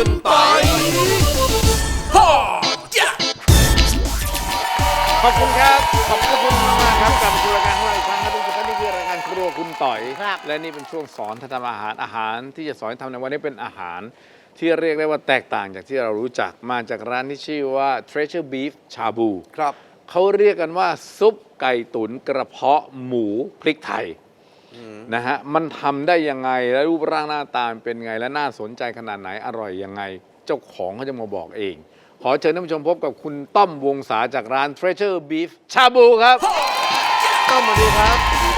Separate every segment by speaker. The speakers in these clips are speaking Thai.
Speaker 1: คุณปอยขอบคุณครับขอบคุณมากครับกลับมาสู่รายการของเราอีกครั้งครับทุกท่านนี่คือรายการครัวคุณต่อยและนี่เป็นช่วงสอนทำอาหารที่จะสอนทำในวันนี้เป็นอาหารที่เรียกได้ว่าแตกต่างจากที่เรารู้จักมาจากร้านที่ชื่อว่า Treasure Beef ชาบูครับเขาเรียกกันว่าซุปไก่ตุ๋นกระเพาะหมูพริกไทยนะฮะมันทำได้ยังไงและรูปร่างหน้าตาเป็นไงและน่าสนใจขนาดไหนอร่อยยังไงเจ้าของเขาจะมาบอกเองขอเชิญท่านผู้ชมพบกับคุณต้อมวงศาจากร้าน Treasure Beef ชาบูครับต้อมสวัสดีครับ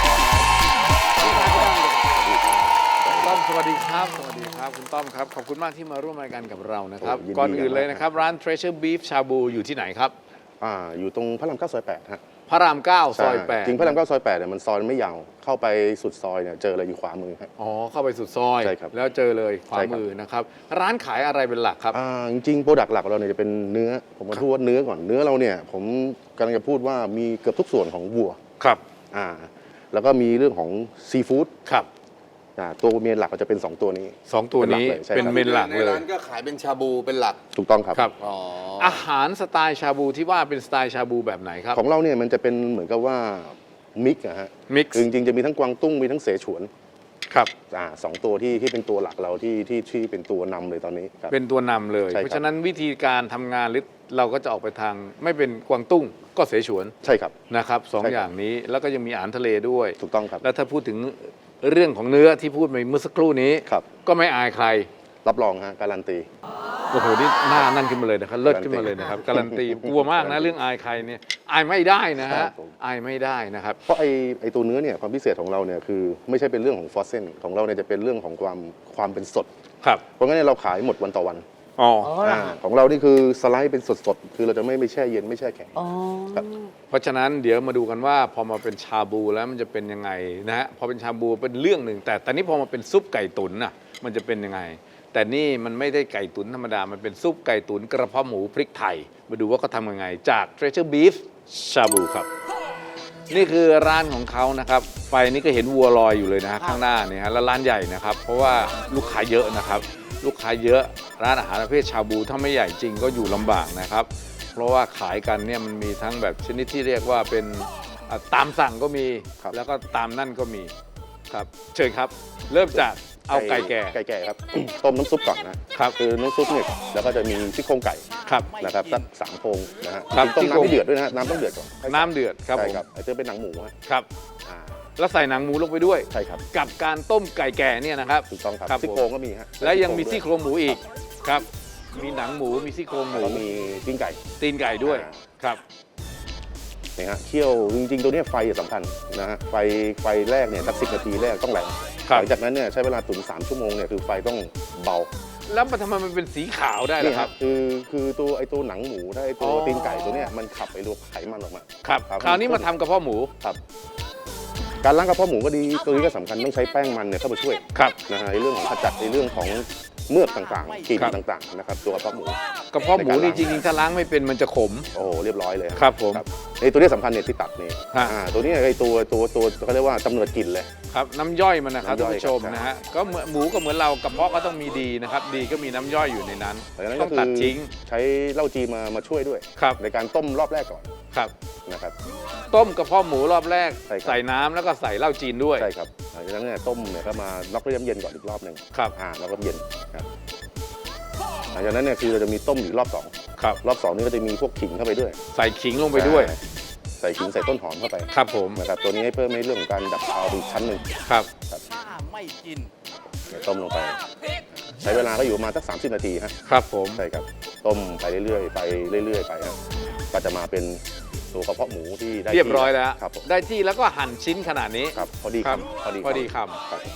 Speaker 1: ต้อมสวัสดีครับสวัสดีครับคุณต้อมครับขอบคุณมากที่มาร่วมรายการกับเรานะครับก่อนอื่นเลยนะครับร้าน Treasure Beef ชาบูอยู่ที่ไหนครับ
Speaker 2: อยู่ตรงพระราม9ซอย8ฮะ
Speaker 1: พระราม9ซอย8
Speaker 2: จริงพระราม9ซอย8เนี่ยมันซอยไม่ยาวเข้าไปสุดซอยเนี่ยเจอเลยอยู่ขวามือครับ
Speaker 1: อ๋อเข้าไปสุดซอย
Speaker 2: ใช่ครับ
Speaker 1: แล้วเจอเลยขวามือนะครับร้านขายอะไรเป็นหลักครับ
Speaker 2: จริงๆโปรดักต์หลักของเราเนี่ยจะเป็นเนื้อผมมาพูดว่าเนื้อก่อนเนื้อเราเนี่ยผมกำลังจะพูดว่ามีเกือบทุกส่วนของวัว
Speaker 1: ครับ
Speaker 2: แล้วก็มีเรื่องของซีฟู้ด
Speaker 1: ครับ
Speaker 2: ตัวเมนหลักก็จะเป็น2ตัวนี้
Speaker 1: 2ตัวนี้เป็นเมนหลักเลย
Speaker 3: ในร้านก็ขายเป็นชาบูเป็นหลัก
Speaker 2: ถูกต้องครับ
Speaker 1: อาหารสไตล์ชาบูที่ว่าเป็นสไตล์ชาบูแบบไหนครับ
Speaker 2: ของเราเนี่ยมันจะเป็นเหมือนกับว่ามิกซ์ฮะ
Speaker 1: มิกซ์
Speaker 2: จริงๆจะมีทั้งกวางตุ้งมีทั้งเสฉวน
Speaker 1: ครับ
Speaker 2: 2ตัวที่เป็นตัวหลักเราที่เป็นตัวนำเลยตอนนี้
Speaker 1: เป็นตัวนำเลยเพราะฉะนั้นวิธีการทำงานหรือเราก็จะออกไปทางไม่เป็นกวางตุ้งก็เสฉวน
Speaker 2: ใช่ครับ
Speaker 1: นะครับ2อย่างนี้แล้วก็ยังมีอาหารทะเลด้วย
Speaker 2: ถูกต้องครับ
Speaker 1: แล้วถ้าพูดถึงเรื่องของเนื้อที่พูดไปเมื่อสักครู่นี้ก็ไม่อายใคร
Speaker 2: รับรองฮะการันตี
Speaker 1: โอ้โหนี่หน้านั่นขึ้นมาเลยนะครับเลิศขึ้นมาเลยนะครับการันตีกลัวมากนะเรื่องอายใครเนี่ยอายไม่ได้นะฮะอายไม่ได้นะครับ
Speaker 2: เพราะไอตัวเนื้อเนี่ยความพิเศษของเราเนี่ยคือไม่ใช่เป็นเรื่องของฟอสเซนของเราเนี่ยจะเป็นเรื่องของความเป็นสด
Speaker 1: ครับ
Speaker 2: เพราะงั้นเราขายหมดวันต่อวันของเรานี่คือสไลด์เป็นสดๆคือเราจะไม่แช่เย็นไม่แช่แข็ง
Speaker 1: เพราะฉะนั้นเดี๋ยวมาดูกันว่าพอมาเป็นชาบูแล้วมันจะเป็นยังไงนะฮะพอเป็นชาบูเป็นเรื่องหนึ่งแต่ตอนนี้พอมาเป็นซุปไก่ตุ๋นน่ะมันจะเป็นยังไงแต่นี่มันไม่ได้ไก่ตุ๋นธรรมดามันเป็นซุปไก่ตุ๋นกระเพาะหมูพริกไทยมาดูว่าเขาทำยังไงจาก Treasure Beef ชาบูครับนี่คือร้านของเขานะครับไฟนี้ก็เห็นวัวลอยอยู่เลยนะฮะข้างหน้าเนี่ยฮะแล้วร้านใหญ่นะครับเพราะว่าลูกค้าเยอะนะครับลูกค้าเยอะร้านอาหารประเภทชาบูถ้าไม่ใหญ่จริงก็อยู่ลำบากนะครับเพราะว่าขายกันเนี่ยมันมีทั้งแบบชนิดที่เรียกว่าเป็นตามสั่งก็มีแล้วก็ตามนั่นก็มีครับเชิญครับเริ่มจากเอาไก่แก่
Speaker 2: ครับต้มน้ำซุปก่อนนะครับคือน้ำซุปเนี่ยแล้วก็จะมีซี่โครงไก่นะครับสัก3โครงนะฮะต้มน้ำให้เดือดด้วยนะฮะน้ำต้องเดือดก่อน
Speaker 1: น้ำเดือดครับผม
Speaker 2: ไอ้เจ้าเป็นหนังหมู
Speaker 1: ครับแล้วใส่หนังหมูลงไปด้วย
Speaker 2: ใช่ครับ
Speaker 1: กับการต้มไก่แก่เนี่ยนะครับ
Speaker 2: ถูกต้องครับซี่โครงก็มีฮะ
Speaker 1: และยังมีซี่โครงหมูอีกครับมีหนังหมูมีซี่โครงหมู
Speaker 2: มีตีนไก่
Speaker 1: ด้วยครับ
Speaker 2: นี่ฮะเคี่ยวจริงๆตัวนี้ไฟสำคัญนะฮะไฟแรกเนี่ยสัก10 นาทีแรกต้องแรงหลังจากนั้นเนี่ยใช้เวลาตุ๋น3 ชั่วโมงเนี่ยคือไฟต้องเบา
Speaker 1: แล้วมันทำไมมันเป็นสีขาวได้ล่ะครับ
Speaker 2: คือตัวหนังหมูได้ตัวตีนไก่ตัวเนี้ยมันขับไอ้ตัวไขมันออกมา
Speaker 1: ครับคราวนี้มาทำกระเพาะหมู
Speaker 2: ครับการล้างกระเพาะหมูก็ดีตัวนี้ก็สำคัญต้องใช้แป้งมันเนี่ยเข้ามาช่วยนะฮะในเรื่องของขจัดในเรื่องของเมือกต่างๆกลิ่นต่างๆนะครับตัวกระเพาะหมู
Speaker 1: นี่จริงๆถ้าล้างไม่เป็นมันจะขม
Speaker 2: โอ้เรียบร้อยเลย
Speaker 1: ครับผม
Speaker 2: ในตัวนี้สำคัญเนี่ยที่ตัดนี่ตัวนี้ไอ้ตัวเขาเรียกว่ากำเนิดกลิ่นเลย
Speaker 1: ครับน้ำย่อยมันนะครับท่านผู้ชมนะฮะก็เหมือนหมูก็เหมือนเรากระเพาะก็ต้องมีดีนะครับดีก็มีน้ำย่อยอยู่ในนั้นต้องตัดทิ้ง
Speaker 2: ใช้เหล้าจีมาช่วยด้วยในการต้มรอบแรกก่อน
Speaker 1: ครับ
Speaker 2: นะครับ
Speaker 1: ต้มกระเพาะหมูรอบแรกใส่น้ำแล้วก็ใส่เหล้าจีนด้วย
Speaker 2: ใช่ครับหลังจากนั้นเนี่ยต้มเนี่ยก็มาล็อกด้วยน้ำเย็นก่อนอีกรอบหนึ่ง
Speaker 1: ครับ
Speaker 2: แล้วก็เย็นครับหลังจากนั้นเนี่ยคือเราจะมีต้มอีกรอบ2
Speaker 1: ครับ
Speaker 2: รอบ2นี่ก็จะมีพวกขิงเข้าไปด้วย
Speaker 1: ใส่ขิงลงไปด้วย
Speaker 2: ใส่ขิงใส่ต้นหอมเข้าไป
Speaker 1: ครับผม
Speaker 2: นะครับตัวนี้ให้เพิ่มในเรื่องของการดับคาวอีกชั้นหนึ่ง
Speaker 1: ครับ
Speaker 2: ไม่กินต้มลงไปใช้เวลาก็อยู่ประมาณสัก30 นาที
Speaker 1: ครับผม
Speaker 2: ใช่ครับต้มไปเรื่อยๆไปเรื่อยๆไปครับก็จะมาเป็นตัวกระเพาะหมูที่ได้
Speaker 1: เรียบร้อยแล้ว
Speaker 2: ครับ
Speaker 1: ได้ที่แล้วก็หั่นชิ้นขนาดนี้
Speaker 2: ครับพอดีคำ
Speaker 1: พอดีคำ
Speaker 2: ครับ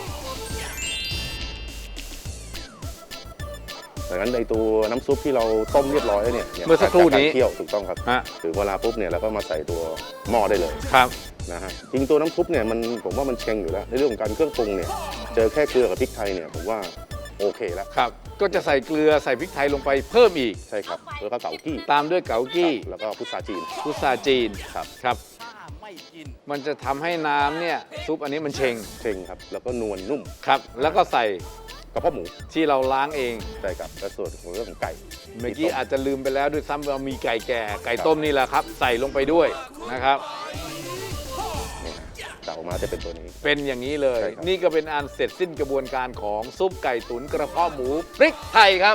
Speaker 2: ดังนั้นในตัวน้ำซุปที่เราต้มเรียบร้อยเนี่ย
Speaker 1: เมื่อสักครู่นี้
Speaker 2: เคี่ยวถูกต้องครับถึงเวลาปุ๊บเนี่ยเราก็มาใส่ตัวหม้อได้เลย
Speaker 1: ครับ
Speaker 2: นะฮะจริงตัวน้ำซุปเนี่ยผมว่ามันเชงอยู่แล้วในเรื่องของการเครื่องปรุงเนี่ยเจอแค่เกลือกับพริกไทยเนี่ยผมว่าโอเคแล้ว
Speaker 1: ครับก็จะใส่เกลือใส่พริกไทยลงไปเพิ่มอีก
Speaker 2: ใช่ครับแล้วก็เกากี้
Speaker 1: ตามด้วยเกากี้
Speaker 2: แล้วก็พุทรา
Speaker 1: จีน
Speaker 2: ครับ
Speaker 1: มันจะทำให้น้ำเนี่ยซุปอันนี้มันเชง
Speaker 2: ครับแล้วก็นวลนุ่ม
Speaker 1: ครับแล้วก็ใส่
Speaker 2: กระเพาะหมู
Speaker 1: ที่เราล้างเอง
Speaker 2: ใช่ครับและส่วนของเรื่องของไก่
Speaker 1: เมื่อกี้อาจจะลืมไปแล้วด้วยซ้ำเรามีไก่แก่ไก่ต้มนี่แหละครับ ใส่ลงไปด้วยนะครับ
Speaker 2: นี่จะออกมาจะเป็นตัวนี้
Speaker 1: เป็นอย่างนี้เลย
Speaker 2: ใช่ครับ
Speaker 1: นี่ก็เป็นอันเสร็จสิ้นกระบวนการของซุปไก่ตุ๋นกระเพาะหมูพริกไทยครับ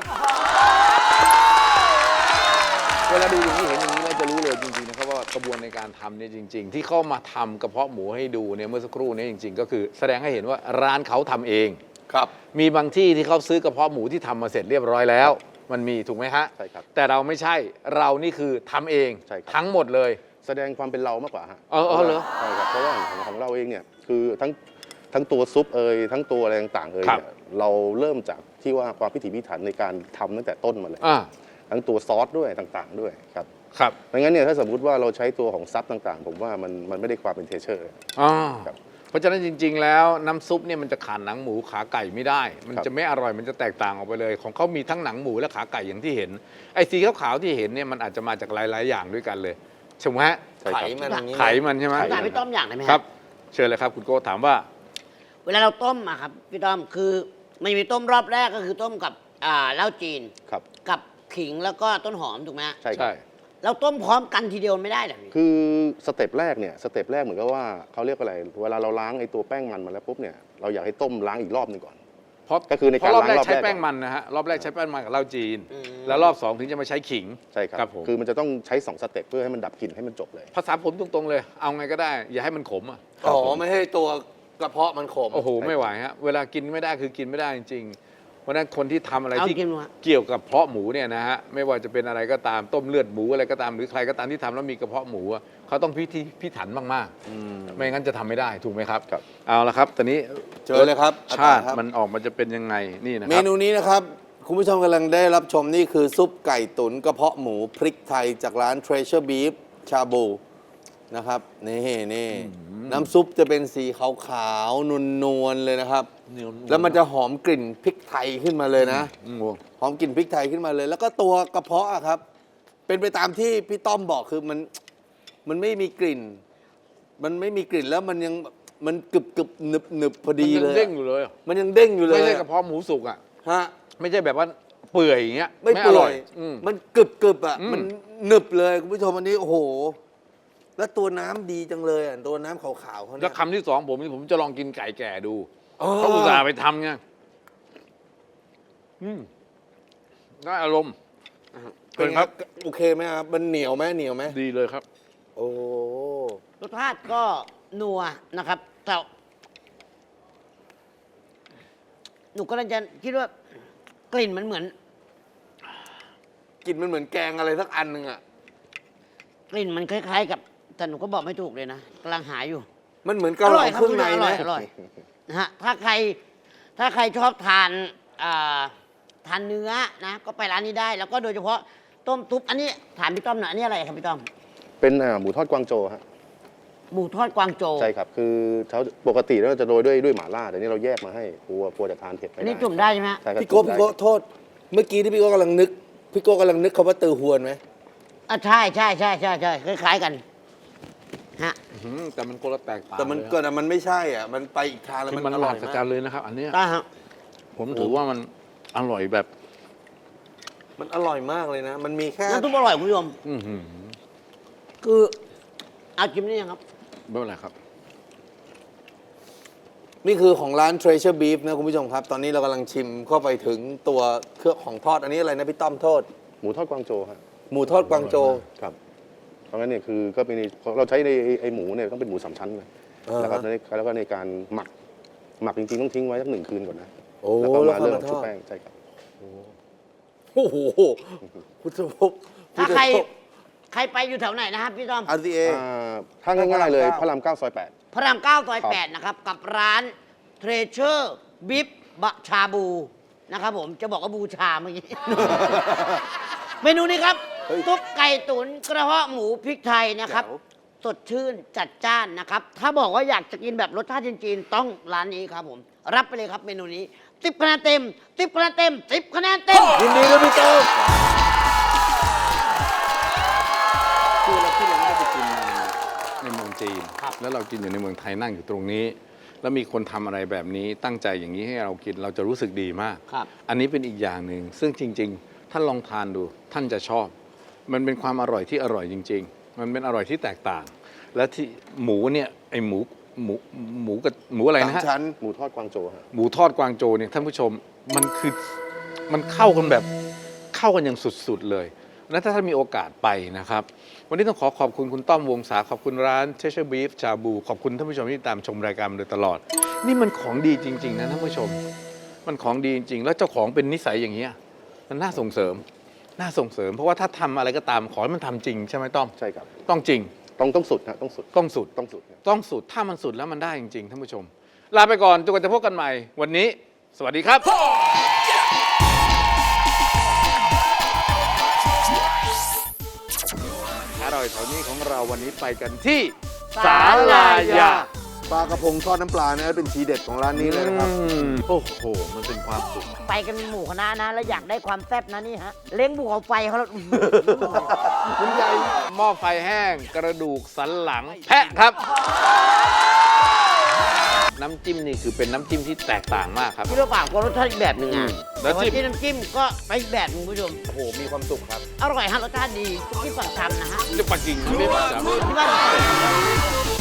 Speaker 1: เวลาดูอย่างนี้เห็นอย่างนี้เราจะรู้เลยจริงๆนะครับว่ากระบวนในการทำเนี่ยจริง ๆ ที่เข้ามาทำกระเพาะหมูให้ดูเนี่ยเมื่อสักครู่นี้จริง ๆ ก็คือแสดงให้เห็นว่าร้านเขาทำเอง
Speaker 3: ครับ
Speaker 1: มีบางที่ที่เขาซื้อกระเพาะหมูที่ทำมาเสร็จเรียบร้อยแล้ว มันมีถูกไหมฮะ
Speaker 2: ใช่ครับ
Speaker 1: แต่เราไม่ใช่เรานี่คือทำเอง
Speaker 2: ใช่ครับ
Speaker 1: ทั้งหมดเลย
Speaker 2: แสดงความเป็นเรามากกว่าฮะ
Speaker 1: เออเหรอ
Speaker 2: ใช่ครับเพราะว่าของเราเองเนี่ยคือทั้งตัวซุปทั้งตัวอะไรต่างๆ
Speaker 1: ครับ
Speaker 2: เนี่ยเราเริ่มจากที่ว่าความพิถีพิถันในการทำตั้งแต่ต้นมาเลย
Speaker 1: อ่า
Speaker 2: ทั้งตัวซอสด้วยต่างๆด้วยครับ
Speaker 1: ครับ
Speaker 2: ดังนั้นเนี่ยถ้าสมมติว่าเราใช้ตัวของซับต่างๆ ผมว่ามันไม่ได้ความเป็นเทเชอร์
Speaker 1: อ่า
Speaker 2: ครับ
Speaker 1: เพราะฉะนั้นจริง ๆ แล้วน้ำซุปเนี่ยมันจะขาดหนังหมูขาไก่ไม่ได้ มัน
Speaker 2: ครับ
Speaker 1: จะไม่อร่อยมันจะแตกต่างออกไปเลย ของเขามีทั้งหนังหมูและขาไก่อย่างที่เห็น ไอ้สีขาวๆที่เห็นเนี่ยมันอาจจะมาจากหลายๆอย่างด้วยกันเลยใช่ไหมฮะ
Speaker 2: ใช่
Speaker 3: ไข
Speaker 2: ครับ
Speaker 3: มันอย่างนี้
Speaker 1: ไขมันใช่ไหม
Speaker 2: ไข
Speaker 4: ถามพี่ต้อมอย่างได้ไหม
Speaker 1: ครับ เชิญเลยครับคุณโก้ถามว่า
Speaker 4: เวลาเราต้มอะครับพี่ต้อมคือมันมีต้มรอบแรกก็คือต้มกับเหล้าจีน
Speaker 2: ครับ
Speaker 4: กับขิงแล้วก็ต้นหอมถูกไหมฮะ
Speaker 2: ใช่ครับ
Speaker 1: ใช่
Speaker 4: เราต้มพร้อมกันทีเดียวไม่ได้เหรอพี่
Speaker 2: คือสเต็ปแรกเนี่ยสเต็ปแรกเหมือนกับว่าเขาเรียกอะไรเวลาเราล้างไอ้ตัวแป้งมันมาแล้วปุ๊บเนี่ยเราอยากให้ต้มล้างอีกรอบหนึงก่อน
Speaker 1: เพราะ
Speaker 2: ก็คือใน
Speaker 1: เพ
Speaker 2: การ
Speaker 1: ราะรอบแรก
Speaker 2: ล้างรอบ
Speaker 1: ใช้
Speaker 2: แรก
Speaker 1: แป้งมันนะฮะรอบแรกใช้แป้งมันกับเหล้าจีน
Speaker 4: อืม
Speaker 1: แล้วรอบ 2 ถึงจะมาใช้ขิง
Speaker 2: ใช่ครับ
Speaker 1: ครับผม
Speaker 2: คือมันจะต้องใช้2สเต็ปเพื่อให้มันดับกลิ่นให้มันจบเลย
Speaker 1: ภาษาผมตรงๆเลย เอาไงก็ได้ อย่าให้มันขมอ่ะ
Speaker 3: อ๋อไม่ให้ตัวกระเพาะมันขม
Speaker 1: โอ้โห ไม่ไหวฮะ เวลากินไม่ได้คือกินไม่ได้จริงๆ เพราะฉะนั้นคนที่ทำอะไร
Speaker 4: เอา
Speaker 1: ที่
Speaker 4: กินดูฮะ
Speaker 1: เกี่ยวกับเพาะหมูเนี่ยนะฮะ ไม่ว่าจะเป็นอะไรก็ตามต้มเลือดหมูอะไรก็ตามหรือใครก็ตามที่ทำแล้วมีกระเพาะหมูอะเขาต้องพิถันมากๆ ไม่งั้นจะทำไม่ได้ถูกไหมครับ
Speaker 2: ครับ
Speaker 1: เอาละครับตอนนี้
Speaker 3: เจอเลยครับ
Speaker 1: ชาติ
Speaker 3: อาจารย์ครับ
Speaker 1: มันออกมาจะเป็นยังไงนี่นะค
Speaker 3: เม
Speaker 1: รับ
Speaker 3: นูนี้นะครับ คุณผู้ชมกำลังได้รับชมนี่คือซุปไก่ตุ๋นกระเพาะหมูพริกไทยจากร้าน Treasure Beef ชาบูนะครับนี่น้ำซุปจะเป็นสีขาวๆนวลๆเลยนะครับ แล้วมันจะหอมกลิ่นพริกไทยขึ้นมาเลยนะ หอมกลิ่นพริกไทยขึ้นมาเลย แล้วก็ตัวกระเพาะอะครับ เป็นไปตามที่พี่ต้อมบอกคือมันไม่มีกลิ่น มันไม่มีกลิ่นแล้วมันยังมันกรึบหนึบพอ
Speaker 1: มัน
Speaker 3: ดี
Speaker 1: ยัง
Speaker 3: เลย
Speaker 1: เด้ง
Speaker 3: อะ
Speaker 1: อยู่เลยอะ
Speaker 3: มันยังเด้งอยู่เลย
Speaker 1: ไม่ใช่
Speaker 3: อะ
Speaker 1: กระเพาะหมูสุกอ่ะ
Speaker 3: ฮะ
Speaker 1: ไม่ใช่แบบว่าเปื่อยอย่างเงี้ย
Speaker 3: ไม่เปื่
Speaker 1: ร่
Speaker 3: อย
Speaker 1: อืม
Speaker 3: มันกรึบอ่ะ
Speaker 1: อืม
Speaker 3: มันหนึบเลยคุณผู้ชมอันนี้โอ้โห แล้วตัวน้ำดีจังเลยอ่ะตัวน้ำขาวๆเขา
Speaker 1: แล้
Speaker 3: เนี่
Speaker 1: วย คำที่สองผมจะลองกินไก่แก่ดู
Speaker 3: อ๋อ
Speaker 1: เขาอุตส่าห์ไปทำไงได้อารมณ์
Speaker 3: เป็นไง
Speaker 1: ครับ
Speaker 3: โอเคไหมครับมันเหนียวไหม
Speaker 1: ดีเลยครับ
Speaker 3: โอ้
Speaker 4: รสชาติก็นัวนะครับแต่หนูก็เลยจะคิดว่ากลิ่นมันเหมือน
Speaker 3: กลิ่นมันเหมือนแกงอะไรสักอันหนึ่งอ่ะ
Speaker 4: กลิ่นมันคล้ายๆกับแต่หนูก็บอกไม่ถูกเลยนะกำลังหาอยู่
Speaker 3: มันเหมือนเกาเหลาเครื่องใน
Speaker 4: อร่
Speaker 3: นะ
Speaker 4: อยอร่อยนะฮะถ้าใครชอบทานทานเนื้อนะ ก็ไปร้านนี้ได้ แล้วก็โดยเฉพาะต้มซุปอันนี้ถามพี่ต้อมหน่อยอันนี้อะไรครับพี่ต้อม
Speaker 2: เป็นหมูทอดกวางโจวฮะ
Speaker 4: หมูทอดกวางโจว
Speaker 2: ใช่ครับคือเขาปกติแล้วจะโรยด้วยหม่าล่าแต่นี่เราแยกมาให้กลัวจะทานเผ็ดไม่
Speaker 4: อัน
Speaker 2: ได้
Speaker 4: นี้จุ่มได้ใช่ไหมฮะ
Speaker 2: ใช่ครับ
Speaker 3: พี่โก้
Speaker 2: จุ่มได้
Speaker 3: โทษ เมื่อกี้ที่พี่โก้กำลังนึกคำว่าตือหวนไหม
Speaker 4: ใช่คล้ายๆกันฮะ
Speaker 1: แต่มันคนละแตกต่าง
Speaker 3: แต่มัน
Speaker 1: เลย
Speaker 3: ก็แต่มันไม่ใช่อ่ะมันไปอีกทางแล้ว
Speaker 1: คือ
Speaker 3: มัน
Speaker 1: มัน
Speaker 3: อ
Speaker 1: อ
Speaker 3: ร่
Speaker 1: ร่
Speaker 3: อ
Speaker 1: อย ย
Speaker 3: มา
Speaker 1: จั
Speaker 3: ก
Speaker 1: ดเลยนะครับ อันเนี้ย
Speaker 4: ได้ฮะ
Speaker 1: ผมถือว่ามันอร่อยแบบ
Speaker 3: มันอร่อยมากเลยนะ มันมีแค่
Speaker 4: น้ำซุปอร่อยคุณผู้ชม
Speaker 1: อื้อหือ
Speaker 4: คือเอาชิมได้ยังครับ
Speaker 1: ไม่เป็นไรครับ
Speaker 3: นี่คือของร้าน Treasure Beef นะคุณผู้ชมครับ ตอนนี้เรากำลังชิมเข้าไปถึงตัวเครื่องของทอดอันนี้อะไรนะพี่ต้อมโทษ
Speaker 2: หมูทอดกวางโจวฮะ
Speaker 3: หมูทอดกวางโจว
Speaker 2: ครับเพราะงั้นเนี่ยคือก็เป็นเราใช้ในไอหมูเนี่ยต้องเป็นหมูสามชั้นเลย
Speaker 3: อ่าฮะ
Speaker 2: แล้วก็ในการหมักจริงๆต้องทิ้งไว้สัก1 คืนก่อนนะ
Speaker 3: โอ้
Speaker 2: แล้วก็
Speaker 3: แล้ว
Speaker 2: มา
Speaker 3: ค่อย
Speaker 2: เริ่ม
Speaker 3: มาท
Speaker 2: ชุบ
Speaker 3: อด
Speaker 2: แป้งใช่ครับ
Speaker 3: โอ้โหพุทธภพ
Speaker 4: ถ้าใครไปอยู่แถวไหนนะครับพี่ต้อม
Speaker 3: RCA
Speaker 2: ถ้าง่ายๆเลย
Speaker 3: พ
Speaker 2: พ
Speaker 3: ระ
Speaker 2: ระ
Speaker 3: ราร
Speaker 2: าม ม 9 ซอย
Speaker 4: พระราม9ซอย8นะครับ กับร้านเทรเชอร์บิฟบะชาบูนะครับผมจะบอกว่าบูชาเมื่อกี้ เมนูนี้ครับ
Speaker 3: เฮ้ย
Speaker 4: ซุปไก่ตุ๋นกระเพาะหมูพริกไทยนะครับ
Speaker 3: แจ๋ว
Speaker 4: สดชื่นจัดจ้านนะครับ ถ้าบอกว่าอยากจะกินแบบรสชาติจีนๆต้องร้านนี้ครับผม รับไปเลยครับเมนูนี้10 คะแนนเต็ม10 คะแนนเต็ม10 คะแนนเต็ม
Speaker 3: ยินดีด้วยพี่โต้ม
Speaker 1: คือเราไม่ได้ไปกินในเมืองจีน แล้วเรากินอยู่ในเมืองไทยนั่งอยู่ตรงนี้แล้วมีคนทำอะไรแบบนี้ตั้งใจอย่างนี้ให้เรากินเราจะรู้สึกดีมาก
Speaker 4: ครับ
Speaker 1: อันนี้เป็นอีกอย่างหนึ่งซึ่งจริง ๆ ท่านลองทานดูท่านจะชอบ มันเป็นความอร่อยที่อร่อยจริง ๆ มันเป็นอร่อยที่แตกต่าง และที่หมูเนี่ยไอหมูกับหมูอะไร
Speaker 3: สาม
Speaker 1: นะฮะ
Speaker 3: ชั้น
Speaker 2: หมูทอดกวางโจฮะ
Speaker 1: หมูทอดกวางโจวเนี่ยท่านผู้ชมมันคือมันเข้ากันแบบเข้ากันอย่างสุดๆเลย และถ้าท่านมีโอกาสไปนะครับ วันนี้ต้องขอบคุณคุณต้อมวงศาขอบคุณร้าน Treasure Beef ชาบูขอบคุณท่านผู้ชมที่ตามชมรายการมาโดยตลอด นี่มันของดีจริง ๆ นะท่านผู้ชม มันของดีจริง ๆ แล้วเจ้าของเป็นนิสัยอย่างเงี้ยมันน่าส่งเสริม น่าส่งเสริม เพราะว่าถ้าทำอะไรก็ตามขอให้มันทำจริงใช่ไหมต้อม
Speaker 2: ใช่ครับ
Speaker 1: ต้องจริง
Speaker 2: ต้องสุดฮะต้องสุด
Speaker 1: ต้องสุด
Speaker 2: ต้องสุดครับ
Speaker 1: ต้องสุด ถ้ามันสุดแล้วมันได้จริง ๆ ท่านผู้ชม ลาไปก่อนจนกว่าจะพบกันใหม่ วันนี้ สวัสดีครับ อร่อยแถวนี้ของเราวันนี้ไปกันที่ศาลายา
Speaker 3: ปลากระพงทอดน้ำปลาเนี่ยเป็นทีเด็ดของร้านนี้เลยนะครับ
Speaker 1: โอ้โห มันเป็นความสุข
Speaker 4: ไปกันเป็นหมู่คณะนะ แล้วอยากได้ความแซ่บนะนี่ฮะ เล้งบุกเอาไฟเขาแล้ว
Speaker 1: คุณใหญ่หม้อไฟแห้ง กระดูกสันหลัง แพะครับ น้ำจิ้มนี่คือเป็นน้ำจิ้มที่แตกต่างมากครับ
Speaker 4: พี่รู้เปล่าก็รสชาติอีกแบบหนึ่งอ่ะ
Speaker 1: แล้ว
Speaker 4: แต่ว่า
Speaker 1: จิ้ม
Speaker 4: ที่น้ำจิ้มก็ไปอีกแบบหนึงคุณผู้ชม
Speaker 3: โอ้โห มีความสุขครับ
Speaker 4: อร่อยฮะรสชาติดีที่ฝั่งทำนะฮะ
Speaker 1: จะปักกิ่งไม่ปักจำ
Speaker 4: ที่บ้าน